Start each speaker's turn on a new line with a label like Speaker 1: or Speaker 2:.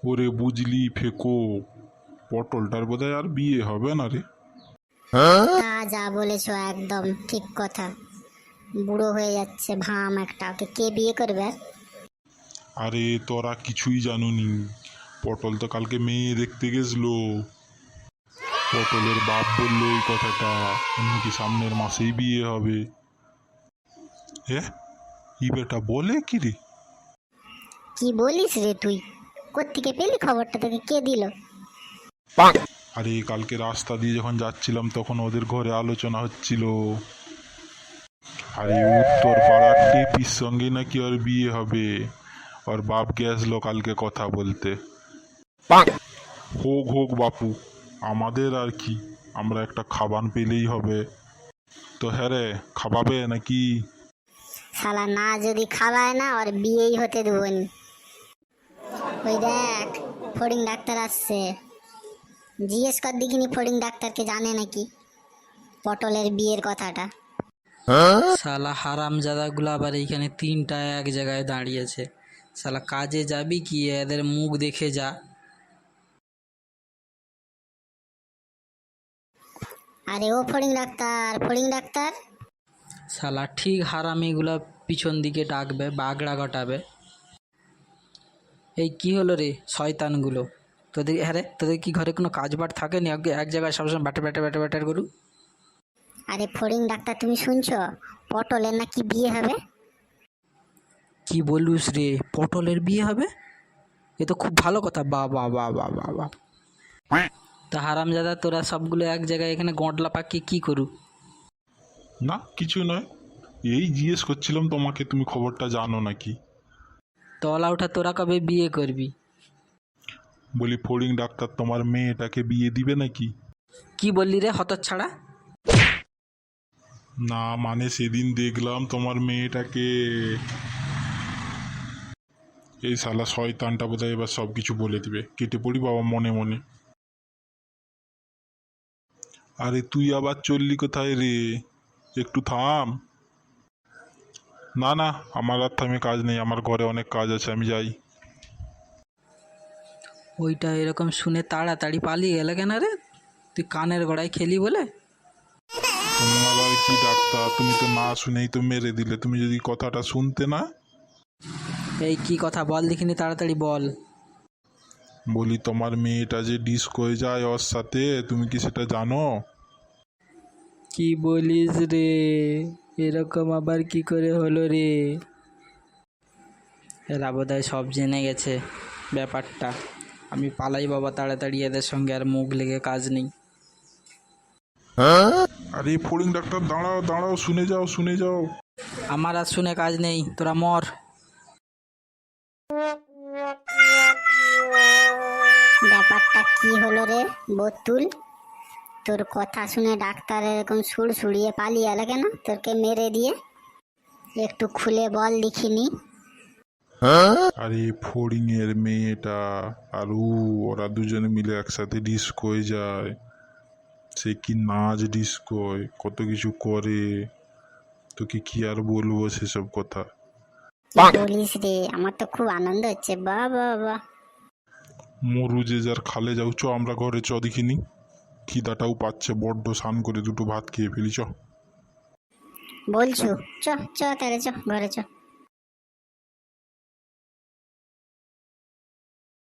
Speaker 1: ওরে বুঝলি ফেকো, পটলটার বোধহয় আর বিয়ে হবে না রে।
Speaker 2: তা যা বলেছো একদম ঠিক কথা। বুড়ো হয়ে যাচ্ছে ভাম একটা, ওকে কে বিয়ে করবে আর?
Speaker 1: আরে তোরা কিছুই জানুনি, পটল তো কালকে মেয়ে দেখতে গেছলো। পটলের বাপ বললো এই কথাটা, নাকি সামনের মাসেই বিয়ে হবে। হ্যাঁ, ই বেটা বলে কি রে?
Speaker 2: কি বলিস রে তুই? কোত্থেকে পেলি খবরটা? তোকে কে দিল?
Speaker 1: আরে কালকে রাস্তা দিয়ে যখন যাচ্ছিলাম তখন ওদের ঘরে আলোচনা হচ্ছিল। আরে উত্তর পাড়ার টেপির সঙ্গে নাকি ওর বিয়ে হবে। ওর বাপ গেছলো কালকে কথা বলতে। হোক হোক বাপু, আমাদের আর কি, আমরা একটা খাবান পেলেই হবে। তো হ্যাঁ রে, খাওয়াবে নাকি?
Speaker 2: শালা না যদি খাওয়ায় না, ওর বিয়েই হতে দেবনি। ওই দেখ, ফড়িং ডাক্তার আসছে। জিজ্ঞেস কর দেখিনি ফড়িং ডাক্তারকে জানে নাকি পটলের বিয়ের কথাটা।
Speaker 3: শালা হারামজাদাগুলো আবার এইখানে তিনটা এক জায়গায় দাঁড়িয়েছে। শালা কাজে যাবি কি, এদের মুখ দেখে যা।
Speaker 2: আরে ও ফড়িং ডাক্তার, ফড়িং ডাক্তার।
Speaker 3: শালা ঠিক হারামিগুলো পিছন দিকে ডাকবে, বাগড়া ঘটাবে। এই কি হলো রে শয়তানগুলো? তোদের হ্যাঁ রে, তোদের কি ঘরে কোনো কাজ বাট থাকেনি? এক জায়গায় সবসময় ব্যাটার ব্যাটার ব্যাটার ব্যাটার করু।
Speaker 2: আরে ফড়িং ডাক্তার, তুমি শুনছো পটলের নাকি বিয়ে হবে?
Speaker 3: কি বলুস রে, পটলের বিয়ে হবে? এ তো খুব ভালো কথা। বা বা বা বা বা বা। তা হারামজাদা তোরা সবগুলো এক জায়গায় এখানে গঁটলা পাকিয়ে কি করু?
Speaker 1: না কিছু নয়, এই জিজ্ঞেস করছিলাম তোমাকে, তুমি খবরটা জানো নাকি।
Speaker 3: তলা ওঠা, তোরা কবে বিয়ে করবি?
Speaker 1: বলি ফড়িং ডাক্তার তোমার মেয়েটাকে বিয়ে দিবে নাকি?
Speaker 3: কি বললি রে হতচ্ছাড়া?
Speaker 1: না মানে সেদিন দেখলাম তোমার মেয়েটাকে। এই শালা শয়তানটা বোধহয় এবার সব কিছু বলে দিবে, কেটে পড়ি বাবা মনে মনে। আরে তুই আবার চললি কোথায় রে? একটু থাম। না না, আমার আর থামে কাজ নেই, আমার ঘরে অনেক কাজ আছে, আমি যাই।
Speaker 3: ওইটা এরকম শুনে তাড়াতাড়ি পালিয়ে গেলে কেন রে? তুই কানের গোড়ায় খেলি বলে?
Speaker 1: তুমি আবার কি ডাক্তার, তুমি তো না শুনেই তো মেরে দিলে, তুমি যদি কথাটা শুনতে না।
Speaker 3: এই কি কথা বল দেখিনি, তাড়াতাড়ি বল।
Speaker 1: বলি তোমার মেয়েটা যে ডিস্কোয় যায় ওর সাথে, তুমি কি সেটা জানো?
Speaker 3: কি বলিস রে? এরকম আবার কি করে হলো রে? এরা বোধহয় সব জেনে গেছে ব্যাপারটা। আমি পালাই বাবা তাড়াতাড়ি, এদের সঙ্গে আর মুখ লেগে কাজ নেই।
Speaker 1: আরে ফড়িং ডাক্তার দাঁড়াও দাঁড়াও, শুনে যাও শুনে যাও।
Speaker 3: আমার আর শুনে কাজ নেই, তোরা মর।
Speaker 2: ব্যাপারটা কি হলো রে বতুল? তোর কথা শুনে ডাক্তার এরকম সুর সুড়িয়ে পালিয়ে এলো কেন তোরকে মেরে দিয়ে? একটু খুলে বল দেখিনি।
Speaker 1: আরে ফড়িং এর মেয়েটা আর ওরা দুজনে মিলে একসাথে ডিস্কোয় যায়। সে কি নাচ ডিস্কোয়, কত কিছু করে, তোকে কি আর বলবো সেসব কথা।
Speaker 2: কি বলিস রে? আমার তো খুব আনন্দ হচ্ছে। বাহ বাহ বাহ।
Speaker 1: মরু যে যার খালে যাও, চ আমরা ঘরে চ দেখিনি। খিদাটাও পাচ্ছে বড্ড, স্নান করে দুটো ভাত খেয়ে ফেলি চ।
Speaker 2: বলছো? চ চ তাহলে চ, ঘরে চ।